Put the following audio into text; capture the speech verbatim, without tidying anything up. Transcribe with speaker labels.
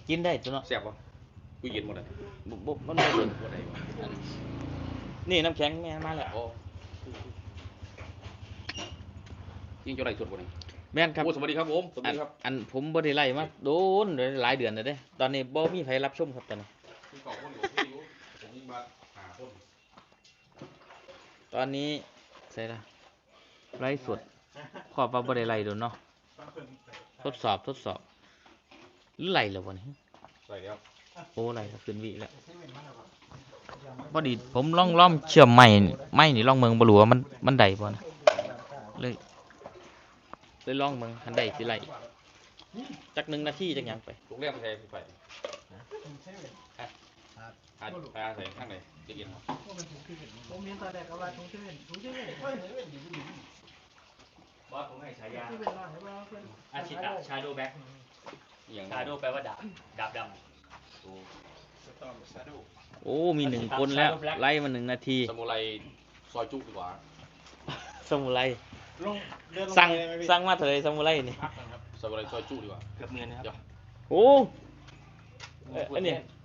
Speaker 1: กินได้ตัวเนาะ
Speaker 2: แซ่บปะกูเย็นหมดเลย
Speaker 1: บ่บ่มันบ่เย็น
Speaker 2: บ่ได้วะ
Speaker 1: นี่น้ำแข็งแม่มาแล้ว
Speaker 2: โอ้ยิงเจ้าไรสุดบ่นี่
Speaker 1: แม่นครับ
Speaker 2: โอ้สวัสดีครับผมสวัส
Speaker 1: อัน
Speaker 2: ดีครับ
Speaker 1: อันผมบ่ได้ไล่มาโดนหลายเดือนแล้วเด้ตอนนี้บ่มีใครรับชมครับตอนนี้
Speaker 2: พี่สองคนอยู่พี่อยู่ผมยิงมาหาคน
Speaker 1: ตอนนี้ใส่ละไล่สดขอบว่าบ่ได้ไล่โดนเนาะทดสอบทดสอบหรือไล่แล้วบ่นี่
Speaker 2: ใส่แล้ว
Speaker 1: โอ้ไล่แล้วขึ้นวิแล้วพอดีผมลองล่อมเชื่อมไม้นี่ไม้นี่ลองเมืองบ่รู้ว่ามันมันได้บ่นะเลยเลยลองเมืองคันได้สิไล่จักหนึ่งนาทีจักหยังไป
Speaker 2: โรงแรมไทยไปอาอาใส่ข้างไหนจะเย็นครับ
Speaker 3: ผมเห็นตอนแรกก็ว่าถุงเซเว่นถุงเซเว่นเฮ้ยเซเว่นอยู่ที่นี่
Speaker 1: บอสผมให้ฉายา
Speaker 3: เซเว่นว่าเห็นว่าเพิ่น
Speaker 1: อาชิตะชาโดแบ็ค
Speaker 2: อย่าง
Speaker 1: ชาโดแปลว่าดาบดาบด
Speaker 2: โอ้
Speaker 1: ำโอ้มีหนึ่งคนแล้วไล่มาหนึ่งนาที
Speaker 2: สมุไรซอยจุดีกว่า
Speaker 1: สมุไร
Speaker 3: ลงเดินลง
Speaker 1: สั่ง
Speaker 3: ไปเลยไหมพี่
Speaker 1: สั่งมาเถอะสมุไรนี่
Speaker 2: สมุไรซอยจุดีกว่า
Speaker 3: เกือบเนียนนะครับ
Speaker 1: โอ้เอ้ยอันนี้